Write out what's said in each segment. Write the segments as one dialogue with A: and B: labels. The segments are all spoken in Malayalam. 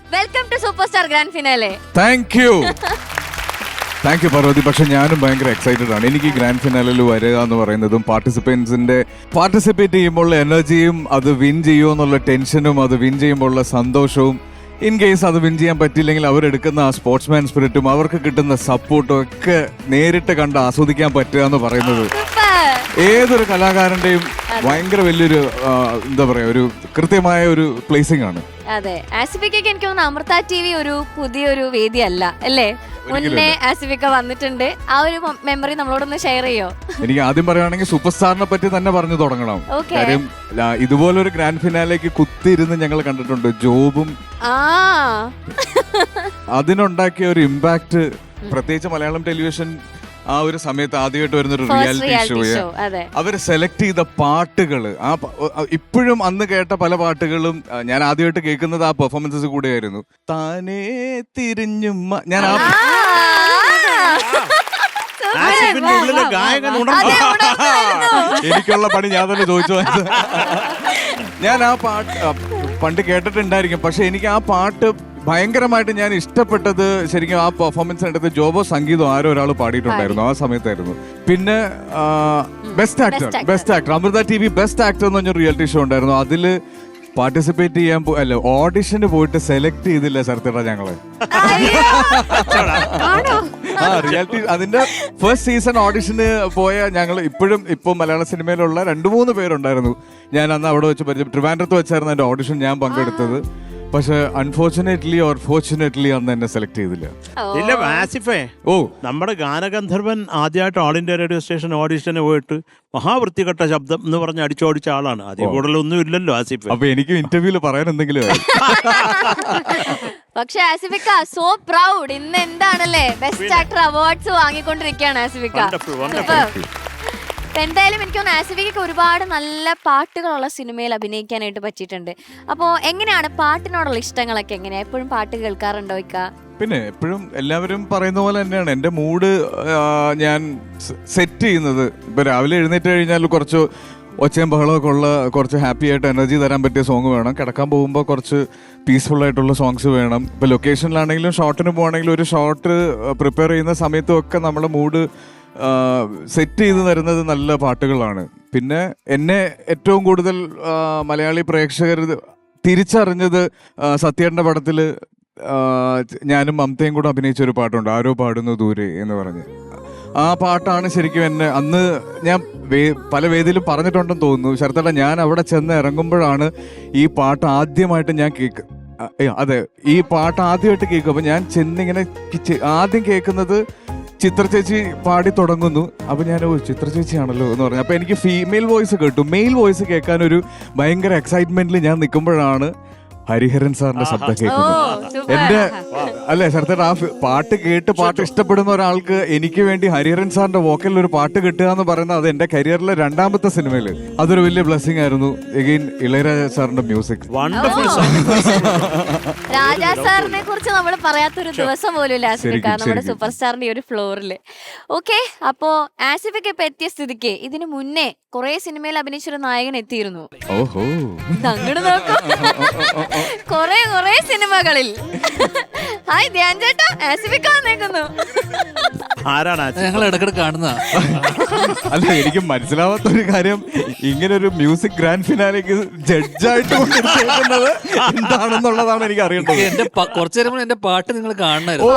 A: Welcome to super star grand finale.
B: Thank you Parvathi. പക്ഷെ ഞാനും ഭയങ്കര എക്സൈറ്റഡ് ആണ്. എനിക്ക് ഗ്രാൻഡ് ഫിനാലിൽ വരിക എന്ന് പറയുന്നതും പാർട്ടിസിപ്പേറ്റ് ചെയ്യുമ്പോൾ എനർജിയും, അത് വിൻ ചെയ്യുമോ എന്നുള്ള ടെൻഷനും, അത് വിൻ ചെയ്യുമ്പോൾ സന്തോഷവും, ഇൻ കേസ് അത് വിൻ ചെയ്യാൻ പറ്റില്ലെങ്കിൽ അവരെടുക്കുന്ന ആ സ്പോർട്സ്മാൻ സ്പിരിറ്റും അവർക്ക് കിട്ടുന്ന സപ്പോർട്ടും ഒക്കെ നേരിട്ട് കണ്ട് ആസ്വദിക്കാൻ പറ്റുക എന്ന് പറയുന്നത് ഏതൊരു കലാകാരന്റെയും ഭയങ്കര വലിയൊരു എന്താ പറയാ, ഒരു കൃത്യമായ ഒരു പ്ലേസിംഗ് ആണ്.
A: അതെ, ആസിഫിക്ക് എനിക്ക് തോന്നുന്നു അമൃത TV ഒരു പുതിയൊരു വേദിയല്ല അല്ലേ? മുന്നേ ആസിഫിക്ക വന്നിട്ടുണ്ട്. ആ ഒരു മെമ്മറി നമ്മളോടൊന്ന് ഷെയർ ചെയ്യോ?
B: എനിക്ക് ആദ്യം പറയുകയാണെങ്കിൽ സൂപ്പർ സ്റ്റാറിനെ പറ്റി തന്നെ പറഞ്ഞു തുടങ്ങണം. കാര്യം ഇതുപോലൊരു ഗ്രാൻഡ് ഫിനാലേക്ക് കുത്തിയിരുന്ന് ഞങ്ങൾ കണ്ടിട്ടുണ്ട്. ജോബും അതിനുണ്ടാക്കിയ ഒരു ഇമ്പാക്ട്, പ്രത്യേകിച്ച് മലയാളം ടെലിവിഷൻ ആ ഒരു സമയത്ത് ആദ്യമായിട്ട് വരുന്നൊരു റിയാലിറ്റി ഷോ, അവര് സെലക്ട് ചെയ്ത പാട്ടുകള്, ഇപ്പോഴും അന്ന് കേട്ട പല പാട്ടുകളും ഞാൻ ആദ്യമായിട്ട് കേൾക്കുന്നത് ആ പെർഫോമൻസസ് കൂടെയായിരുന്നു. താനേ തിരിഞ്ഞും ഞാൻ എനിക്കുള്ള പണി ഞാൻ തന്നെ ചോദിച്ചു. ഞാൻ ആ പാട്ട് പണ്ട് കേട്ടിട്ടുണ്ടായിരിക്കും, പക്ഷെ എനിക്ക് ആ പാട്ട് ഭയങ്കരമായിട്ട് ഞാൻ ഇഷ്ടപ്പെട്ടത് ശരിക്കും ആ പെർഫോമൻസിനടുത്ത് ജോബോ സംഗീതം ആരോ ഒരാൾ പാടിയിട്ടുണ്ടായിരുന്നു ആ സമയത്തായിരുന്നു. പിന്നെ best actor Amrita TV best actor എന്ന് പറഞ്ഞൊരു റിയാലിറ്റി ഷോ ഉണ്ടായിരുന്നു. അതില് പാർട്ടിസിപ്പേറ്റ് ചെയ്യാൻ ഓഡിഷന് പോയിട്ട് സെലക്ട് ചെയ്തില്ല ശരത്തേട്ടാ ഞങ്ങള്. റിയാലിറ്റി അതിന്റെ ഫസ്റ്റ് സീസൺ ഓഡിഷന് പോയ ഞങ്ങൾ ഇപ്പൊ മലയാള സിനിമയിലുള്ള 2-3 പേരുണ്ടായിരുന്നു. ഞാൻ അന്ന് അവിടെ വെച്ച് ട്രിവാൻഡ്രത്ത് വെച്ചായിരുന്നു എന്റെ ഓഡിഷൻ ഞാൻ പങ്കെടുത്തത്. പക്ഷെ അൺഫോർച്ചുനേറ്റ്ലി ഓർ ഫോർച്ചുനേറ്റ്ലി അന്ന് എന്നെ സെലക്ട് ചെയ്തില്ല.
C: ഇല്ല ആസിഫേ, നമ്മുടെ ഗാനഗന്ധർവൻ ആദ്യമായിട്ട് ഓൾ ഇന്ത്യ റേഡിയോ സ്റ്റേഷൻ ഓഡിഷന് പോയിട്ട് മഹാവൃത്തികെട്ട ശബ്ദം എന്ന് പറഞ്ഞ് അടിച്ചോടിച്ച ആളാണ്. അതിൽ കൂടുതലൊന്നും ഇല്ലല്ലോ ആസിഫ്.
B: അപ്പൊ എനിക്ക് ഇന്റർവ്യൂല് പറയാൻ എന്തെങ്കിലും.
A: പക്ഷെ ആസിഫിക്ക സോ പ്രൗഡ്, ഇന്ന് എന്താണല്ലേ ബെസ്റ്റ് ആക്ടർ അവാർഡ്സ് വാങ്ങിക്കൊണ്ടിരിക്കുകയാണ് ആസിഫിക്ക. എന്തായാലും എനിക്ക് തോന്നുന്നു ആസിഫിക്ക് ഒരുപാട് നല്ല പാട്ടുകളുള്ള സിനിമയിൽ അഭിനയിക്കാനായിട്ട് പറ്റിയിട്ടുണ്ട്. അപ്പോൾ എങ്ങനെയാണ് പാട്ടിനോടുള്ള ഇഷ്ടങ്ങളൊക്കെ എങ്ങനെയാ? എപ്പോഴും പാട്ട് കേൾക്കാറുണ്ടോ?
B: പിന്നെ എപ്പോഴും എല്ലാവരും പറയുന്ന പോലെ തന്നെയാണ് എൻ്റെ മൂഡ് ഞാൻ സെറ്റ് ചെയ്യുന്നത്. ഇപ്പൊ രാവിലെ എഴുന്നേറ്റ് കഴിഞ്ഞാൽ കുറച്ച് ഒച്ചയും ബഹളമൊക്കെ ഉള്ള, കുറച്ച് ഹാപ്പി ആയിട്ട് എനർജി തരാൻ പറ്റിയ സോങ് വേണം. കിടക്കാൻ പോകുമ്പോൾ കുറച്ച് പീസ്ഫുൾ ആയിട്ടുള്ള സോങ്സ് വേണം. ഇപ്പൊ ലൊക്കേഷനിലാണെങ്കിലും ഷോട്ടിന് പോകണമെങ്കിലും ഒരു ഷോട്ട് പ്രിപ്പയർ ചെയ്യുന്ന സമയത്തും ഒക്കെ നമ്മുടെ മൂഡ് സെറ്റ് ചെയ്ത് തരുന്നത് നല്ല പാട്ടുകളാണ്. പിന്നെ എന്നെ ഏറ്റവും കൂടുതൽ മലയാളി പ്രേക്ഷകർ തിരിച്ചറിഞ്ഞത് സത്യേട്ടൻ്റെ പടത്തിൽ ഞാനും മമതയും കൂടെ അഭിനയിച്ച ഒരു പാട്ടുണ്ട്, ആരോ പാടുന്നു ദൂരെ എന്ന് പറഞ്ഞ്. ആ പാട്ടാണ് ശരിക്കും എന്നെ അന്ന് ഞാൻ പല വേദിയിലും പറഞ്ഞിട്ടുണ്ടെന്ന് തോന്നുന്നു. ശരത്തേട്ടാ, ഞാൻ അവിടെ ചെന്ന് ഇറങ്ങുമ്പോഴാണ് ഈ പാട്ട് ആദ്യമായിട്ട് ഞാൻ അതെ, ഈ പാട്ട് ആദ്യമായിട്ട് കേൾക്കും. അപ്പൊ ഞാൻ ചെന്നിങ്ങനെ ആദ്യം കേൾക്കുന്നത് ചിത്ര ചേച്ചി പാടി തുടങ്ങുന്നു. അപ്പൊ ഞാൻ ചിത്ര ചേച്ചിയാണല്ലോ എന്ന് പറഞ്ഞു. അപ്പൊ എനിക്ക് ഫീമെയിൽ വോയിസ് കേട്ടു. മെയിൽ വോയിസ് കേൾക്കാൻ ഒരു ഭയങ്കര എക്സൈറ്റ്മെന്റിൽ ഞാൻ നിൽക്കുമ്പോഴാണ് ഹരിഹരൻ സാറിന്റെ ശബ്ദം കേൾക്കുന്നത്. എന്റെ അല്ലെ ശരത്തേട്ട, ആ പാട്ട് കേട്ട് പാട്ട് ഇഷ്ടപ്പെടുന്ന ഒരാൾക്ക് എനിക്ക് വേണ്ടി ഹരിഹരൻ സാറിന്റെ വോക്കലിൽ ഒരു പാട്ട് കിട്ടുക എന്ന് പറയുന്നത് അത് എന്റെ കരിയറിലെ 2ാമത്തെ സിനിമയില് അതൊരു വലിയ ബ്ലെസ്സിങ് ആയിരുന്നു. എഗെയിൻ ഇളയരാജ സാറിന്റെ മ്യൂസിക്.
A: രാജാ സാറിനെ കുറിച്ച് നമ്മൾ പറയാത്തൊരു ദിവസം പോലും ഇല്ല ആസിഫിക്ക നമ്മുടെ സൂപ്പർ സ്റ്റാറിന്റെ ഒരു ഫ്ലോറില്. ഓക്കെ, അപ്പോ ആസിഫിക്ക ഇപ്പൊ എത്തിയ സ്ഥിതിക്ക് ഇതിനു മുന്നേ കുറെ സിനിമയിൽ അഭിനയിച്ചൊരു നായകൻ എത്തിയിരുന്നു.
B: ഓഹോ,
A: അങ്ങോട്ട് നോക്കൂ, കുറെ സിനിമകളിൽ. ഹായ് ധ്യാൻ ചേട്ടാ, ആസിഫിക്ക വന്നേക്കുന്നു.
D: ഞങ്ങൾ ഇടക്കിടെ കാണുന്ന.
B: അല്ല, എനിക്ക് മനസ്സിലാവാത്തൊരു കാര്യം, ഇങ്ങനെ ഒരു മ്യൂസിക് ഗ്രാൻഡ് ഫിനാലേക്ക് ജഡ്ജായിട്ട് കൊണ്ടിരിക്കുന്നത് എന്താണെന്നുള്ളതാണ് എനിക്ക് അറിയേണ്ടത്.
D: എന്റെ കുറച്ചു നേരം എന്റെ പാട്ട് നിങ്ങൾ കാണണമായിരുന്നു.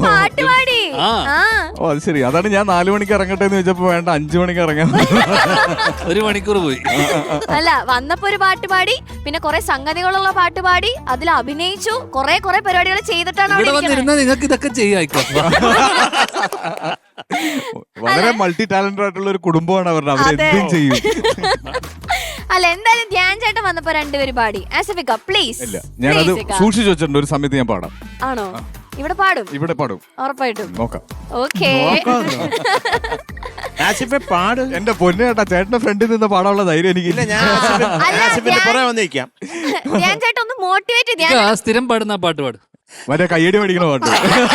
B: ഓ അത് ശരി, അതാണ് ഞാൻ 4 മണിക്ക് ഇറങ്ങട്ടെ എന്ന് ചോദിച്ചപ്പോ വേണ്ട 5 മണിക്ക് ഇറങ്ങാൻ
D: 1 മണിക്കൂർ പോയി.
A: അല്ല, വന്നപ്പോ ഒരു പാട്ട് പാടി, പിന്നെ കുറെ സംഗതികളുള്ള പാട്ട് പാടി, അതിൽ അഭിനയിച്ചു, കുറെ പരിപാടികൾ ചെയ്തിട്ടാണ്
D: ഇവിടെ വന്നിരുന്ന നിങ്ങൾക്ക് ഇതൊക്കെ ചെയ്യായിക്കോ.
B: വളരെ മൾട്ടി ടാലന്റഡ് ആയിട്ടുള്ള ഒരു കുടുംബമാണ് അവരുടെ, അവരെന്തും ചെയ്യും.
A: അല്ല, എന്തായാലും ധ്യാൻ ചേട്ടൻ വന്നപ്പോ 2 പേര് പാടി. ആസിഫിക്ക പ്ലീസ്.
B: ഇല്ല, ഞാനത് സൂക്ഷിച്ചു വെച്ചിട്ടുണ്ട്. ഒരു സമയത്ത് ഞാൻ പാടാം.
A: ആണോ? ഇവിടെ പാടും?
B: ഇവിടെ പാടും ഉറപ്പായിട്ടും. നോക്കാം.
A: ഓക്കേ,
B: എന്റെ പൊന്നേട്ടാ, ചേട്ടന്റെ ഫ്രണ്ടിൽ നിന്ന് പാടാനുള്ള ധൈര്യം എനിക്കില്ല.
A: ധ്യാൻ ചേട്ടൻ ഒന്ന് മോട്ടിവേറ്റ് ചെയ്യാൻ.
D: സ്ഥിരം പാടുന്ന പാട്ട് പാടും,
B: മറ്റേ കയ്യടി പഠിക്കണ പാട്ട്.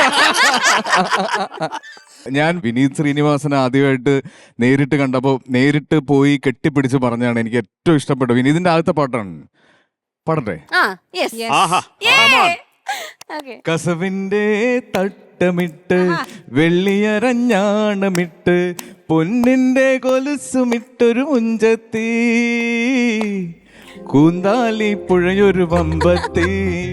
B: ഞാൻ വിനീത് ശ്രീനിവാസനെ ആദ്യമായിട്ട് നേരിട്ട് കണ്ടപ്പോൾ നേരിട്ട് പോയി കെട്ടിപ്പിടിച്ച് പറഞ്ഞാണ് എനിക്ക് ഏറ്റവും ഇഷ്ടപ്പെട്ടത്. വിനീതിന്റെ ആദ്യത്തെ പാട്ടാണ്. പാടട്ടെ?
A: ഓക്കെ
B: കസവിന്റെ തട്ടമിട്ട് വെള്ളിയരഞ്ഞാണമിട്ട് പൊന്നിന്റെ കൊലുസുമിട്ടൊരു മുഞ്ചത്തി കൂന്താലി പുഴയൊരു വമ്പത്തി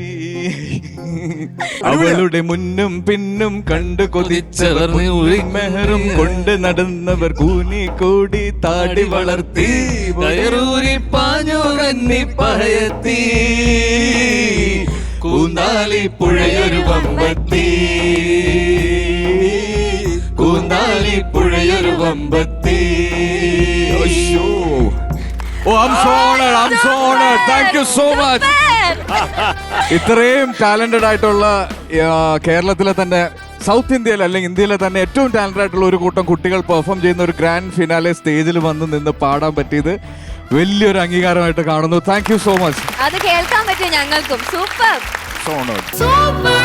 B: അവളുടെ മുന്നും പിന്നും കണ്ടു കൊതിച്ചവർ മെഹറും കൊണ്ട് നടന്നവർ കൂനി കൂടി താടി വളർത്തി
D: കയറൂരി പാഞ്ഞു കന്നി പഹയത്തി
B: കൂന്താലി പുഴയൊരു വമ്പത്തി കൂന്താലി പുഴയൊരു വമ്പത്തി. Oh, I'm so honored. I'm so honored. Thank you so much. ഇത്രയും ടാലന്റഡ് ആയിട്ടുള്ള കേരളത്തിലെ തന്നെ സൗത്ത് ഇന്ത്യയിൽ അല്ലെങ്കിൽ ഇന്ത്യയിലെ തന്നെ ഏറ്റവും ടാലന്റഡ് ആയിട്ടുള്ള ഒരു കൂട്ടം കുട്ടികൾ പെർഫോം ചെയ്യുന്ന ഒരു ഗ്രാൻഡ് ഫിനാലെ സ്റ്റേജിൽ വന്ന് നിന്ന് പാടാൻ പറ്റിയത് വലിയൊരു അംഗീകാരമായിട്ട് കാണുന്നു. Thank you so much.
A: അത് കേൾക്കാൻ പറ്റും ഞങ്ങൾക്കും. Super
B: so honored.
A: സൂപ്പർ